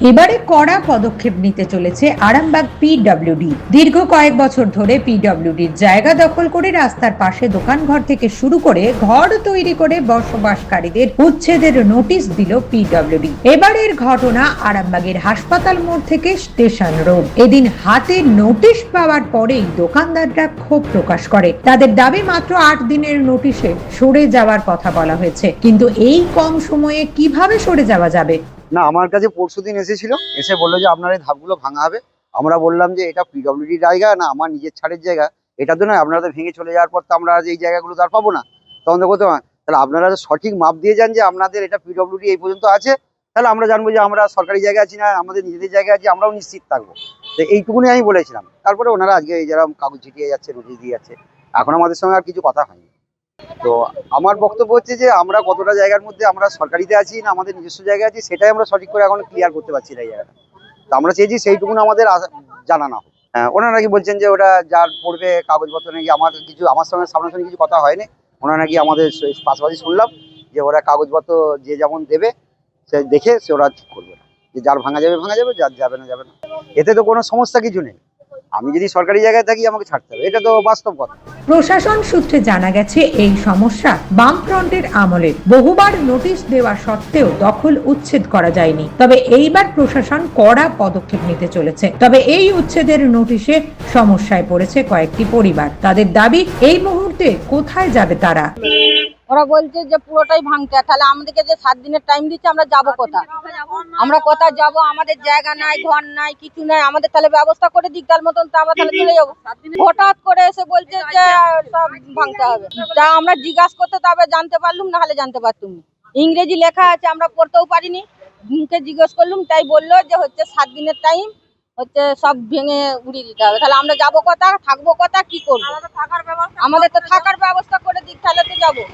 এবারে কড়া পদক্ষেপ নিতে চলেছে আরামবাগ পিডব্লিউডি। দীর্ঘ কয়েক বছর ধরে পিডব্লিউডির জায়গা দখল করে রাস্তার পাশে দোকানঘর থেকে শুরু করে ঘর তৈরি করে বসবাসকারীদের উচ্ছেদের নোটিশ দিল পিডব্লিউডি। এবারের ঘটনা আরামবাগের হাসপাতাল মোড় থেকে স্টেশন রোড। এদিন হাতে নোটিশ পাওয়ার পরেই দোকানদাররা ক্ষোভ প্রকাশ করে। তাদের দাবি মাত্র 8 দিনের নোটিশে সরে যাওয়ার কথা বলা হয়েছে, কিন্তু এই কম সময়ে কিভাবে সরে যাওয়া যাবে? না, আমার কাছে পরশুদিন এসেছিল, এসে বললো যে আপনার এই ধাপগুলো ভাঙা হবে। আমরা বললাম যে এটা পিডব্লিউডি জায়গা না, আমার নিজের ছাড়ের জায়গা, এটা তো নয়। আপনারা তো ভেঙে চলে যাওয়ার পর তো আমরা এই জায়গাগুলো তো আর পাবো না, তখন তো করতে পারেন। তাহলে আপনারা সঠিক মাপ দিয়ে যান যে আপনাদের এটা পিডব্লিউডি এই পর্যন্ত আছে, তাহলে আমরা জানবো যে আমরা সরকারি জায়গা আছি না আমাদের নিজেদের জায়গা আছে, আমরাও নিশ্চিত থাকবো। তো এইটুকুনি আমি বলেছিলাম। তারপরে ওনারা আজকে এই যারা কাগজ ছিটিয়ে যাচ্ছে, নোটিশ দিয়ে যাচ্ছে, এখন আমাদের সঙ্গে আর কিছু কথা হয়নি। তো আমার বক্তব্য হচ্ছে যে আমরা কতটা জায়গার মধ্যে আমরা সরকারিতে আছি না আমাদের নিজস্ব জায়গা আছে, সেটাই আমরা সঠিক করে এখন ক্লিয়ার করতে পারছি না এই জায়গাটা। তো আমরা চেয়েছি সেইটুকুন আমাদের জানানো হোক। ওনারা নাকি বলছেন যে ওটা যার পড়বে কাগজপত্র নাকি আমার সঙ্গে সামনাসামনি কিছু কথা হয়নি। ওনারা নাকি আমাদের পাশাপাশি শুনলাম যে ওরা কাগজপত্র যে যেমন দেবে সে দেখে সে ওরা ঠিক করবে, যে যার ভাঙা যাবে ভাঙা যাবে, যার যাবে না যাবে না। এতে তো কোনো সমস্যা কিছু নেই। আমি যদি সরকারি জায়গায় থাকি আমাকে ছাড়তে হবে, এটা তো বাস্তব কথা। প্রশাসন সূত্রে জানা গেছে এই সমস্যা বামফ্রন্টের আমলে বহুবার নোটিশ দেওয়া সত্ত্বেও দখল উচ্ছেদ করা যায়নি। তবে এইবার প্রশাসন কড়া পদক্ষেপ নিতে চলেছে। তবে এই উচ্ছেদের নোটিশে সমস্যায় পড়েছে কয়েকটি পরিবার। তাদের দাবি, এই মুহূর্তে কোথায় যাবে তারা? ওরা বলছে যে পুরোটাই ভাঙতে, তাহলে আমাদেরকে যে 7 দিনের টাইম দিচ্ছে, আমরা যাবো কোথায়? আমরা কোথায় যাবো? আমাদের জায়গা নাই, ঘর নাই, কিছু নাই। আমাদের তাহলে ব্যবস্থা করে দিক তার মতন, তো আমরা তাহলে চলে যাবো। হঠাৎ করে এসে বলছে যে সব ভাঙতে হবে। তা আমরা জিজ্ঞাসা করতে তবে জানতে পারলুম, না হলে জানতে পারতুম না। ইংরেজি লেখা আছে, আমরা পড়তেও পারিনি। মুখে জিজ্ঞেস করলুম, তাই বললো যে হচ্ছে 7 দিনের টাইম, হচ্ছে সব ভেঙে উড়িয়ে দিতে হবে। তাহলে আমরা যাবো কোথায়, থাকবো কোথায়, কি করবো? আমাদের তো থাকার ব্যবস্থা করে দিক, তাহলে তো যাবো।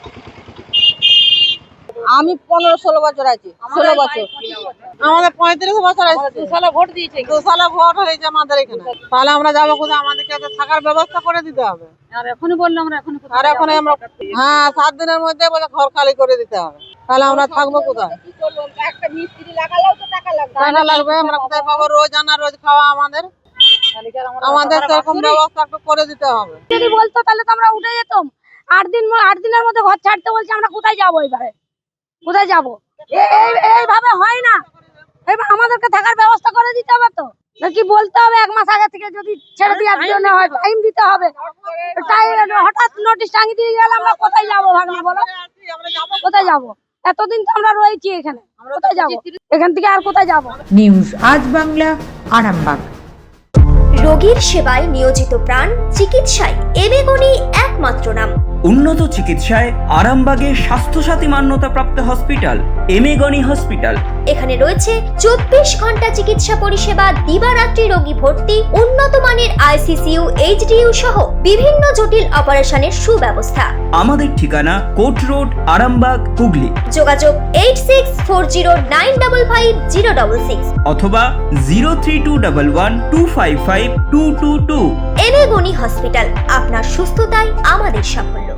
আমি 15-16 বছর আছি। 16 বছর। আমাদের 35 বছর আছে। 2 সালে ভোট দিয়েছে, 2 সালে ভোট হয়েছে আমাদের এখানে। তাহলে আমরা যাবো কোথায়? আমাদেরকে থাকার ব্যবস্থা করে দিতে হবে। আর এখনই বললাম আমরা এখন আমরা 7 দিনের মধ্যে ঘর খালি করে দিতে হবে। তাহলে আমরা থাকবো কোথায়? একটা মিস্ত্রি লাগালেও তো টাকা লাগবে। টাকা লাগবে, আমরা কোথায় পাবো? রোজ আনা রোজ খাওয়া আমাদের সেরকম ব্যবস্থা একটু করে দিতে হবে। যদি বলতো তাহলে তো আমরা উঠে যেতাম। 8 দিনের মধ্যে ঘর ছাড়তে বলছে, আমরা কোথায় যাবো? এবারে কোথায় যাবো? এইভাবে হয় না। এবার আমাদেরকে থাকার ব্যবস্থা করে দিতে হবে। তো নাকি বলতে হবে 1 মাস আগে থেকে, যদি ছেড়ে দেওয়ার জন্য হয় টাইম দিতে হবে। হঠাৎ নোটিশ টাঙিয়ে দিয়ে গেলে আমরা কোথায় যাবো? ভাগনা বলো, কোথায় যাবো? এতদিন তো আমরা রয়েছি এখানে, কোথায় যাবো? এখান থেকে আর কোথায় যাবো? নিউজ আজ বাংলা, আরামবাগ। রোগীর সেবায় নিয়োজিত প্রাণ, চিকিৎসায় এবেগুনি একমাত্র নাম। উন্নত চিকিৎসায় আরামবাগে স্বাস্থ্যসাথী মান্যতাপ্রাপ্ত হসপিটাল এমেগনি হসপিটাল। এখানে রয়েছে 24 ঘন্টা চিকিৎসা পরিষেবা, দিবারাত্রি রোগী ভর্তি, উন্নত মানের আইসিসিইউ, এইচডিইউ সহ বিভিন্ন জটিল অপারেশনের সুব্যবস্থা। আমাদের ঠিকানা কোট রোড, আরামবাগ, হুগলি। যোগাযোগ 8640955066 অথবা 03211255222। এবেগুনি হসপিটাল, আপনার সুস্থতাই আমাদের সাফল্য।